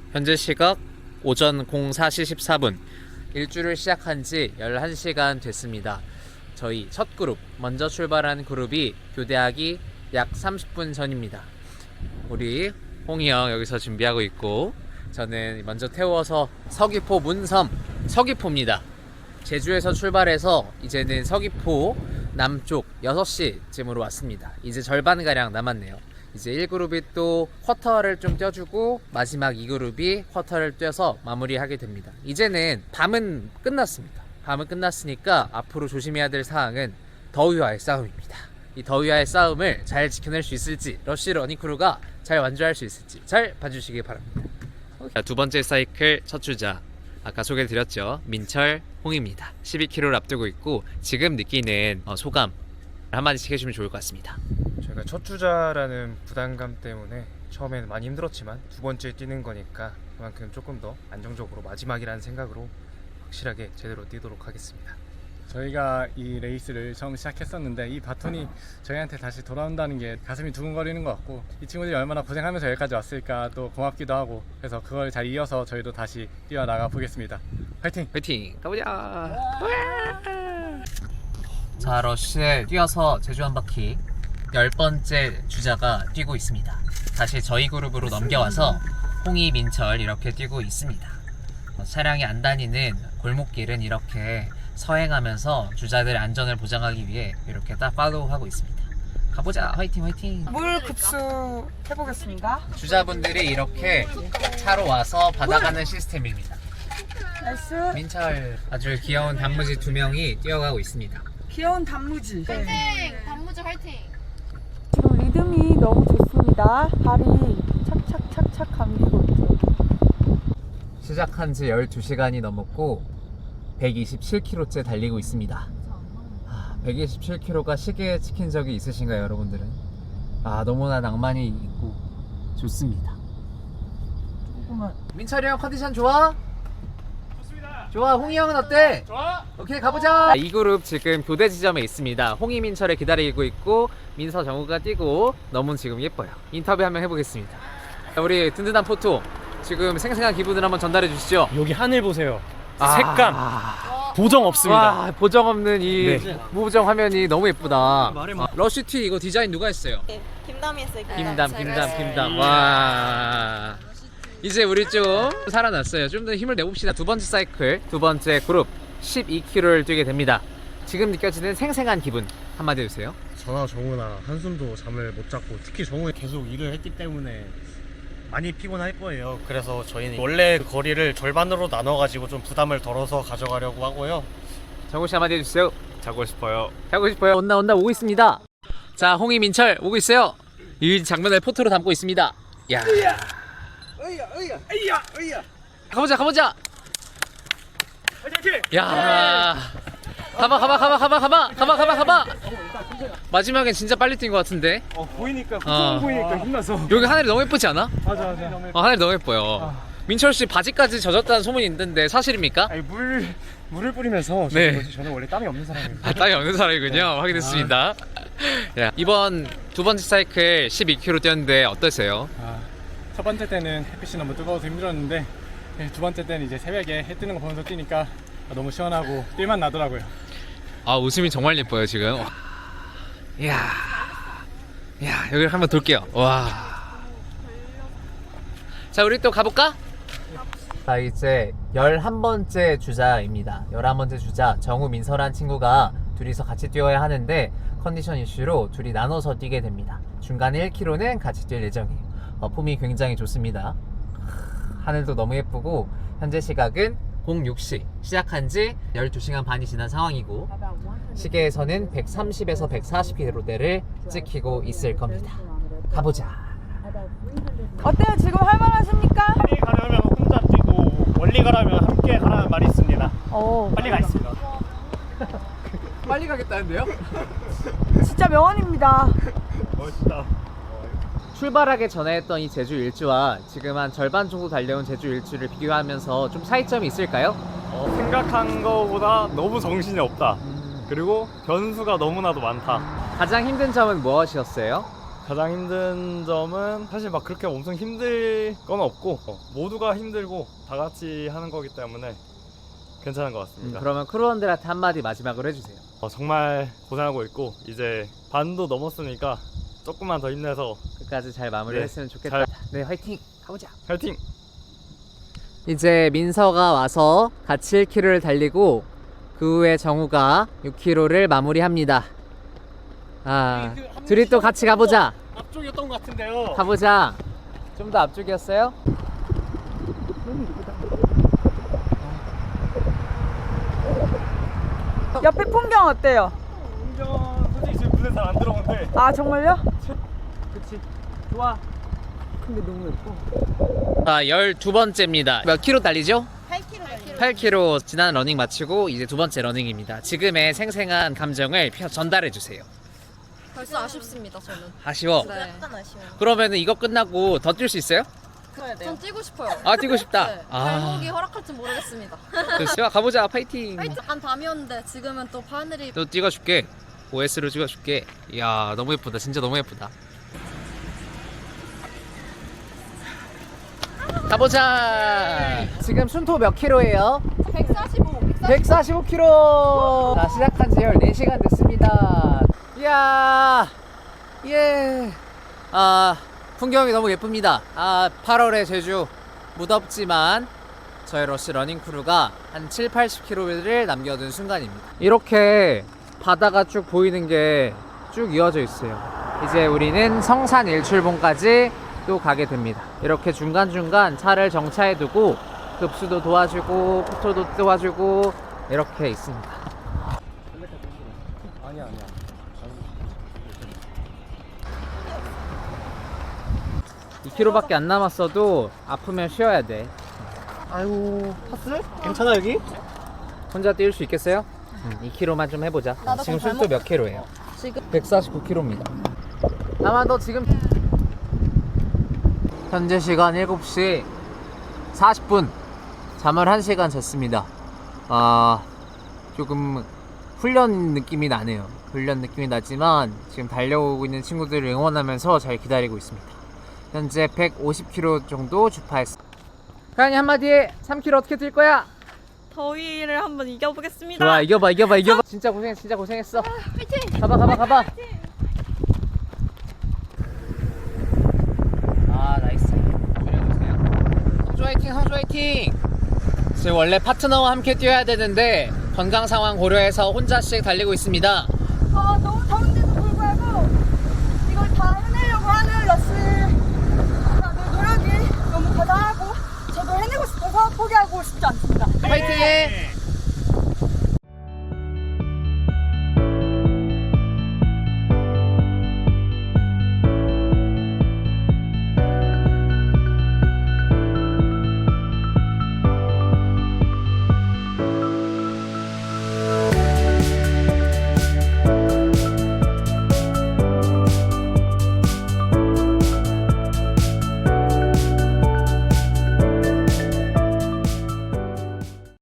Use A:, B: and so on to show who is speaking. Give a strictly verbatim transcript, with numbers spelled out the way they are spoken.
A: 현재 시각 오전 공사 시 십사 분. 일주를 시작한 지 열한 시간 됐습니다. 저희 첫 그룹, 먼저 출발한 그룹이 교대하기 약 삼십 분 전입니다. 우리 홍이 형 여기서 준비하고 있고, 저는 먼저 태워서 서귀포 문섬 서귀포입니다. 제주에서 출발해서 이제는 서귀포 남쪽 여섯 시쯤으로 왔습니다. 이제 절반가량 남았네요. 이제 일 그룹이 또 쿼터를 좀 뛰어주고 마지막 이 그룹이 쿼터를 뛰어서 마무리하게 됩니다. 이제는 밤은 끝났습니다. 밤은 끝났으니까 앞으로 조심해야 될 사항은 더위와의 싸움입니다. 이 더위와의 싸움을 잘 지켜낼 수 있을지, 러쉬 러닝크루가 잘 완주할 수 있을지 잘 봐주시기 바랍니다. 자, 두 번째 사이클 첫 주자, 아까 소개해드렸죠, 민철, 홍입니다. 십이 킬로미터를 앞두고 있고 지금 느끼는 어, 소감 한마디씩 해주면 좋을 것 같습니다.
B: 저희가 첫 주자라는 부담감 때문에 처음에는 많이 힘들었지만 두 번째 뛰는 거니까 그만큼 조금 더 안정적으로 마지막이라는 생각으로 확실하게 제대로 뛰도록 하겠습니다.
C: 저희가 이 레이스를 처음 시작했었는데 이 바톤이 저희한테 다시 돌아온다는 게 가슴이 두근거리는 것 같고, 이 친구들이 얼마나 고생하면서 여기까지 왔을까 또 고맙기도 하고, 그래서 그걸 잘 이어서 저희도 다시 뛰어나가 보겠습니다. 화이팅!
A: 화이팅! 가보자! 자, 러쉬에 뛰어서 제주 한 바퀴 열 번째 주자가 뛰고 있습니다. 다시 저희 그룹으로 넘겨와서 홍이, 민철 이렇게 뛰고 있습니다. 어, 차량이 안 다니는 골목길은 이렇게 서행하면서 주자들의 안전을 보장하기 위해 이렇게 딱 팔로우하고 있습니다. 가보자! 화이팅 화이팅!
D: 물 급수 해보겠습니다.
A: 주자분들이 이렇게 차로 와서 받아가는 시스템입니다.
D: 나이스.
A: 민철, 아주 귀여운 단무지 두 명이 뛰어가고 있습니다.
D: 귀여운 단무지.
E: 화이팅! 단무지 화이팅!
D: 지금 리듬이 너무 좋습니다. 발이 착착착착 감기고 있죠.
A: 시작한 지 열두 시간이 넘었고 백이십칠 킬로미터째 달리고 있습니다. 아, 백이십칠 킬로미터가 시계에 찍힌 적이 있으신가요, 여러분들은? 아, 너무나 낭만이 있고 좋습니다. 조금만. 민철이 형 컨디션 좋아? 좋습니다. 좋아. 홍이 형은 어때? 좋아. 오케이, 가보자. 이 그룹 지금 교대 지점에 있습니다. 홍이, 민철을 기다리고 있고 민서, 정우가 뛰고 너무 지금 예뻐요. 인터뷰 한번 해보겠습니다. 우리 든든한 포토, 지금 생생한 기분을 한번 전달해 주시죠.
F: 여기 하늘 보세요.
A: 아,
F: 색감 보정 없습니다.
A: 와, 보정 없는 이
F: 네.
A: 무보정 화면이 너무 예쁘다. 아, 러쉬티 이거 디자인 누가 했어요?
E: 김담이 했어요.
A: 김담, 김담, 김담. 와, 이제 우리 좀 살아났어요. 좀 더 힘을 내봅시다. 두 번째 사이클, 두 번째 그룹 십이 킬로미터를 뛰게 됩니다. 지금 느껴지는 생생한 기분 한마디 해주세요.
G: 저나 정우나 한숨도 잠을 못 잤고, 특히 정우는 계속 일을 했기 때문에 많이 피곤할 거예요. 그래서 저희는 원래 거리를 절반으로 나눠가지고 좀 부담을 덜어서 가져가려고 하고요.
A: 정우 씨 한마디 해주세요.
G: 자고 싶어요.
A: 자고 싶어요. 온나 온나 오고 있습니다. 자, 홍이, 민철 오고 있어요. 이 장면을 포토로 담고 있습니다. 야, 으야, 으야, 으야, 으야. 가보자, 가보자. 야, 가봐, 가봐, 가봐, 가봐, 가봐, 가봐, 가봐, 가봐. 마지막엔 진짜 빨리 뛴 것 같은데.
F: 어, 보이니까
A: 어.
F: 보이니까 힘나서.
A: 여기 하늘이 너무 예쁘지 않아?
F: 맞아 맞아.
A: 어, 하늘이 너무 예뻐요. 민철 씨 바지까지 젖었다는 소문이 있는데 사실입니까?
F: 아니 물 물을 뿌리면서
A: 네.
F: 저는, 저는 원래 땀이 없는 사람이에요.
A: 아, 땀이 없는 사람이군요. 확인했습니다. 야, 이번 두 번째 사이클 십이 킬로미터 뛰었는데 어떠세요?
C: 아, 첫 번째 때는 햇빛이 너무 뜨거워서 힘들었는데, 네, 두 번째 때는 이제 새벽에 해 뜨는 거 보면서 뛰니까 너무 시원하고 뛸만 나더라고요.
A: 아, 웃음이 정말 예뻐요 지금. 이야, 야, 여기를 한번 돌게요. 와. 자, 우리 또 가볼까? 자, 이제 열한 번째 주자입니다. 열한 번째 주자 정우, 민서란 친구가 둘이서 같이 뛰어야 하는데 컨디션 이슈로 둘이 나눠서 뛰게 됩니다. 중간에 일 킬로미터는 같이 뛸 예정이에요. 어, 폼이 굉장히 좋습니다. 하늘도 너무 예쁘고 현재 시각은 공육 시, 시작한 지 열두 시간 반이 지난 상황이고 시계에서는 백삼십에서 백사십 킬로미터대를 찍히고 있을 겁니다. 가보자.
D: 어때요? 지금 할만하십니까?
F: 빨리 가려면 혼자 뛰고 멀리 가려면 함께 가라는 말이 있습니다.
D: 어,
F: 빨리 가 있습니다.
A: 빨리 가겠다는데요?
D: 진짜 명언입니다.
F: 멋있다.
A: 출발하기 전에 했던 이 제주 일주와 지금 한 절반 정도 달려온 제주 일주를 비교하면서 좀 차이점이 있을까요?
F: 어, 생각한 거보다 너무 정신이 없다. 그리고 변수가 너무나도 많다.
A: 가장 힘든 점은 무엇이었어요?
H: 가장 힘든 점은 사실 막 그렇게 엄청 힘들 건 없고 어, 모두가 힘들고 다 같이 하는 거기 때문에 괜찮은 것
A: 음,
H: 같습니다.
A: 그러면 크루원들한테 한마디 마지막으로 해주세요.
H: 어, 정말 고생하고 있고 이제 반도 넘었으니까 조금만 더 힘내서
A: 끝까지 잘 마무리했으면
H: 네,
A: 좋겠다.
H: 잘-
A: 네, 화이팅! 가보자.
H: 화이팅!
A: 이제 민서가 와서 같이 일 킬로미터를 달리고 그 후에 정우가 육 킬로미터를 마무리합니다. 아, 둘이 또 같이 가보자.
G: 앞쪽이었던 것 같은데요.
A: 가보자. 좀 더 앞쪽이었어요?
D: 옆에 풍경 어때요?
H: 운전 솔직히 지금 눈에 잘 안 들어오는데
D: 아 정말요?
A: 그치. 좋아.
D: 근데 너무 예뻐.
A: 자, 열두 번째입니다. 몇 킬로 달리죠?
E: 팔 킬로미터.
A: 팔 킬로미터 지난 러닝 마치고 이제 두 번째 러닝입니다. 지금의 생생한 감정을 펴- 전달해 주세요.
E: 벌써 아쉽습니다, 저는.
A: 아쉬워.
E: 네. 약간 아쉬워요.
A: 그러면은 이거 끝나고 더 뛸 수 있어요?
E: 전 뛰고 싶어요.
A: 아, 뛰고 싶다.
E: 네.
A: 아.
E: 발목이 허락할지 모르겠습니다.
A: 됐어요. 가보자. 파이팅.
E: 약간 밤이었는데 지금은 또 하늘이
A: 또 찍어줄게. 오에스로 찍어줄게. 이야, 너무 예쁘다. 진짜 너무 예쁘다. 가보자. 지금 순토 몇 킬로예요?
E: 백사십오.
A: 백사십오 킬로미터. 자, 시작한 지 열네 시간 됐습니다. 이야, 예. 아, 풍경이 너무 예쁩니다. 아, 팔월의 제주 무덥지만 저희 러시 러닝 크루가 한 칠, 팔십 킬로미터를 남겨둔 순간입니다. 이렇게 바다가 쭉 보이는 게 쭉 이어져 있어요. 이제 우리는 성산 일출봉까지 또 가게 됩니다. 이렇게 중간중간 차를 정차해두고 급수도 도와주고 포토도 도와주고 이렇게 있습니다.
H: 아니야 아니야
A: 이 킬로미터밖에 안 남았어도 아프면 쉬어야 돼.
G: 아이고 파스? 괜찮아 여기?
A: 혼자 뛸 수 있겠어요? 응, 이 킬로미터만 좀 해보자.
E: 나도
A: 지금
E: 그럼
A: 순도 몇 킬로예요?
E: 지금
A: 백사십구 킬로미터입니다. 아마 너 지금 현재 시간 일곱 시 사십 분. 잠을 한 시간 잤습니다. 아, 조금 훈련 느낌이 나네요. 훈련 느낌이 나지만 지금 달려오고 있는 친구들을 응원하면서 잘 기다리고 있습니다. 현재 백오십 킬로미터 정도 주파했습니다. 가연이 한마디 해. 삼 킬로미터 어떻게 뛸 거야?
E: 더위를 한번 이겨보겠습니다.
A: 좋아, 이겨봐 이겨봐 이겨봐. 진짜 고생했어 진짜 고생했어.
E: 화이팅!
A: 가봐 가봐 가봐. 아, 나이스. 줄여주세요. 성주 화이팅 성주 화이팅. 지금 원래 파트너와 함께 뛰어야 되는데 건강 상황 고려해서 혼자씩 달리고 있습니다.
D: 아 너무 더운데도 불구하고 이걸 다 해내려고 하는 러시 다들 노력이 너무 대단하고 저도 해내고 싶어서 포기하고 싶지 않습니다.
A: 화이팅해.